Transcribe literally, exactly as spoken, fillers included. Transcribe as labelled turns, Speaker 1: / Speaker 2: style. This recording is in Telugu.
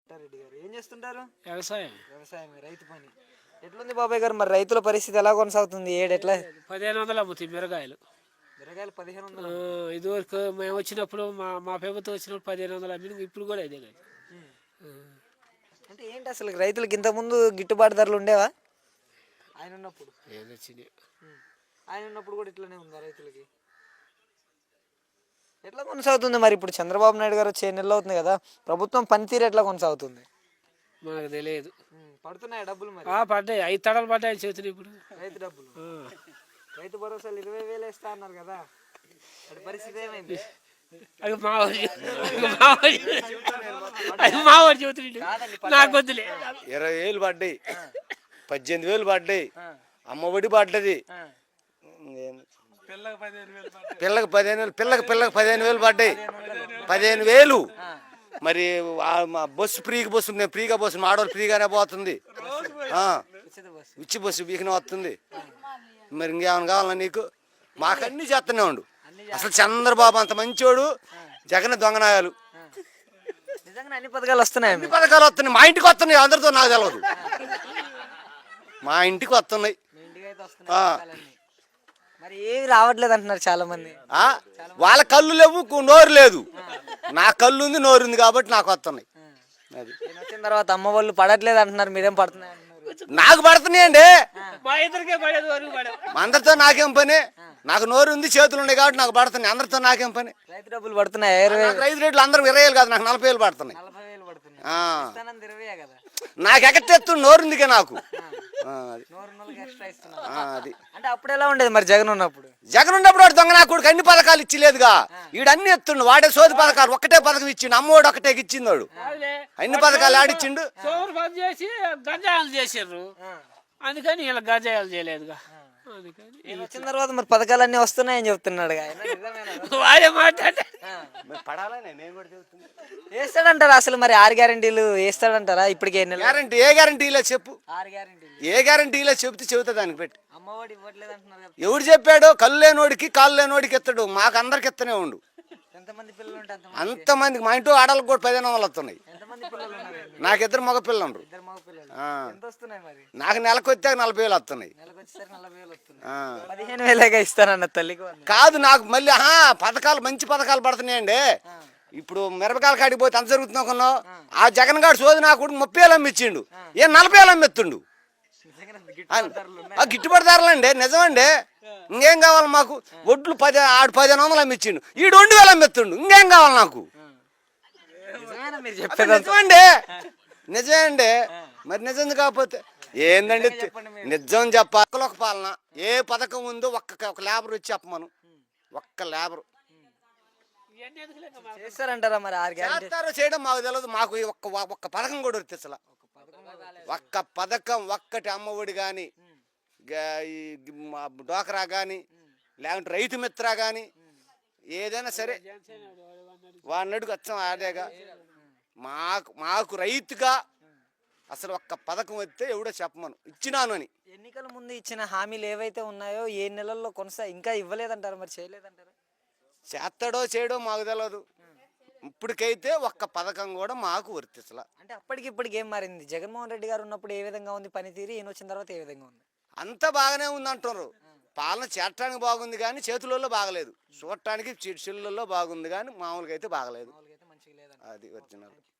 Speaker 1: పుట్టారెడ్డి గారు ఏం చేస్తుంటారు?
Speaker 2: వ్యవసాయం.
Speaker 1: వ్యవసాయం, రైతు పని. ఎట్లుంది బాబాయ్ గారు మరి రైతుల పరిస్థితి ఎలా కొనసాగుతుంది? ఏడు ఎట్లా?
Speaker 2: పదిహేను వందలు అమ్ముతాయి మిరగాయలు.
Speaker 1: మిరగాయలు పదిహేను
Speaker 2: ఆ,
Speaker 1: వందలు
Speaker 2: ఇదివరకు మేము వచ్చినప్పుడు మా మా ప్రభుత్వం వచ్చినప్పుడు పదిహేను వందలు అమ్మిన, ఇప్పుడు కూడా ఇదే కదా.
Speaker 1: అంటే ఏంటి అసలు రైతులకు ఇంతకుముందు గిట్టుబాటు ధరలు ఉండేవా ఆయన ఉన్నప్పుడు?
Speaker 2: ఏదో వచ్చింది.
Speaker 1: ఆయన ఉన్నప్పుడు కూడా ఇట్లానే ఉందా రైతులకి? ఎట్లా కొనసాగుతుంది మరి? ఇప్పుడు చంద్రబాబు నాయుడు గారు వచ్చే నెలలు అవుతుంది కదా, ప్రభుత్వం పనితీరు ఎట్లా కొనసాగుతుంది?
Speaker 2: మనకు తెలియదు.
Speaker 1: పడుతున్నాయా డబ్బులు మరి?
Speaker 2: పడ్డాయి, ఐదు తడలు పడ్డాయి చేతులు ఇప్పుడు.
Speaker 1: రైతు డబ్బులు, రైతు భరోసాలు ఇరవై వేలు వేస్తా అన్నారు కదా, అది పరిస్థితి ఏమైంది?
Speaker 2: అది మావాడు అది మావాడు చెబుతుంది, నాకు వద్దులే.
Speaker 3: ఇరవై వేలు పడ్డాయి, పద్దెనిమిది వేలు పడ్డాయి, అమ్మఒడి పడ్డది, పిల్లకి పదిహేను వేలు పిల్లకి పిల్లకి పదిహేను వేలు పడ్డాయి. పదిహేను వేలు మరి బస్సు ఫ్రీగా బస్సు నేను ఫ్రీగా బస్సు ఆడవాళ్ళు ఫ్రీగానే పోతుంది, ఉచ్చి బస్సు వీకనే వస్తుంది. మరి ఇంకేమైనా కావాలా నీకు? మాకన్నీ చేస్తూనే ఉండు. అసలు చంద్రబాబు అంత మంచోడు, జగన్ దొంగనాయాలు.
Speaker 1: అన్ని పథకాలు వస్తున్నాయి,
Speaker 3: అన్ని పథకాలు వస్తున్నాయి, మా ఇంటికి వస్తున్నాయి. అందరితో నాకు తెలియదు, మా ఇంటికి వస్తున్నాయి.
Speaker 1: మరి ఏమి రావట్లేదు అంటున్నారు చాలా మంది.
Speaker 3: వాళ్ళ కళ్ళు లేవు, నోరు లేదు. నా కళ్ళు ఉంది, నోరు ఉంది కాబట్టి నాకు వస్తున్నాయి. అది
Speaker 1: వచ్చిన తర్వాత అమ్మ వాళ్ళు పడట్లేదు అంటున్నారు, మీరేం పడుతున్నాయి అంటున్నారు?
Speaker 3: నాకు పడుతున్నాయండి,
Speaker 2: మా ఇద్దరికే పడేది వరకు పడవు.
Speaker 3: అందరితో నాకేం పని? నాకు నోరు ఉంది, చేతులు ఉన్నాయి కాబట్టి నాకు పడుతున్నాయి. అందరితో నాకేం పని?
Speaker 1: రైతు డబ్బులు పడుతున్నాయి,
Speaker 3: రైతు రేట్లు అందరూ ఇరవై వేలు కాదు, నాకు నలభై వేలు పడుతున్నాయి. నాకు ఎక్కడెత్తుండు, నోరు ఉందిగా నాకు. అది
Speaker 1: అంటే అప్పుడు ఎలా ఉండేది మరి జగన్ ఉన్నప్పుడు?
Speaker 3: జగన్ ఉన్నప్పుడు వాడు దొంగ నాకు అన్ని పథకాలు ఇచ్చిలేదుగా, వీడు అన్ని ఎత్తుండు. వాడే సోది పథకాలు ఒక్కటే పథకం ఇచ్చిండు, అమ్మోడు ఒకటే ఇచ్చింది. వాడు అన్ని పథకాలు ఆడిచ్చిండు.
Speaker 2: సోమరు పని చేసి గంజాయాలు చేసారు, అందుకని ఇలా గంజాయాలు చేయలేదుగా.
Speaker 1: వచ్చిన తర్వాత మరి పథకాలన్నీ వస్తున్నాయని చెప్తున్నాడు.
Speaker 2: వాడే మాట్లాడే
Speaker 1: వేస్తాడంటారా అసలు? మరి ఆరు గ్యారెంటీలు వేస్తాడంటారా ఇప్పటికే?
Speaker 3: గ్యారెంటీ ఏ గ్యారెంటీలో చెప్పు,
Speaker 1: ఆరు గ్యారెంటీలు
Speaker 3: ఏ గ్యారెంటీలో చెప్తే చెబుతా దానికి పెట్టి.
Speaker 1: అమ్మఒడి ఇవ్వట్లేదు అంటున్నారు.
Speaker 3: ఎవడు చెప్పాడు? కళ్ళు లేనోడికి కాళ్ళు లేనోడికి ఎత్తాడు, మాకు అందరికి ఎత్తనే ఉండు.
Speaker 1: ఎంతమంది పిల్లలు ఉంటే
Speaker 3: అంతమందికి. మా ఇంట్లో ఆడలకు కూడా పదిహేను వందలు వస్తున్నాయి. నాకు ఇద్దరు మగ పిల్లలు ఉండరు. నాకు నెలకు వచ్చాక నలభై వేలు వస్తున్నాయి.
Speaker 1: పదిహేను వేలేగా ఇస్తానన్న తల్లికి
Speaker 3: కాదు, నాకు మళ్ళీ పథకాలు మంచి పథకాలు పడుతున్నాయండి. ఇప్పుడు మిరపకాయల కాడికి పోతే అంత జరుగుతుంది అనుకున్నావు. ఆ జగన్ గారు సోది నాకు ముప్పై వేలు అమ్మిచ్చిండు, ఏం నలభై వేలు అమ్మెత్తుండు. గిట్టుబాటు ధరలండి, నిజమండి. ఇంకేం కావాలి మాకు? ఒడ్లు పది ఆడు పదిహేను వందలు అమ్మిచ్చిండు, ఈ రెండు వేలు అమ్మెత్తుండు. ఇంకేం కావాలి నాకు? నిజమండి, నిజమే అండి. మరి నిజం కాకపోతే ఏందండి? నిజం చెప్పాలి. ఒక పాలన ఏ పథకం ఉందో ఒక్క ఒక లేబర్ వచ్చి చెప్పమను, ఒక్క లేబర్
Speaker 1: చేస్తారంటారా మరి?
Speaker 3: చేస్తారో చేయడం మాకు తెలియదు. మాకు ఒక్క ఒక్క పథకం కూడా వస్తుంది అసలు. ఒక్క పథకం ఒక్కటి, అమ్మఒడి కానీ, డోకరా కానీ, లేకుంటే రైతు మిత్ర కానీ, ఏదైనా సరే వాడిని అడుగు వచ్చాం అదేగా. మాకు మాకు రైతుగా అసలు ఒక్క పథకం వస్తే ఎవడో చెప్పమను, ఇచ్చినాను అని.
Speaker 1: ఎన్నికల ముందు ఇచ్చిన హామీలు ఏవైతే ఉన్నాయో ఏ నెలల్లో కొనసా ఇంకా ఇవ్వలేదంటారు, మరి చేయలేదంటారు?
Speaker 3: చేస్తాడో చేయడో మాకు తెలియదు. ఇప్పటికైతే ఒక్క పథకం కూడా మాకు వర్తించలా.
Speaker 1: అంటే అప్పటికి ఇప్పటికి ఏం మారింది? జగన్మోహన్ రెడ్డి గారు ఉన్నప్పుడు ఏ విధంగా ఉంది పనితీరు, ఈయన వచ్చిన తర్వాత ఏ విధంగా ఉంది?
Speaker 3: అంతా బాగానే ఉంది అంటున్నారు. పాలన చేరటానికి బాగుంది కానీ చేతులలో బాగలేదు, చూడటానికి చెల్లుల్లో బాగుంది కానీ మామూలుగా అయితే బాగలేదు. అది ఒరిజినల్.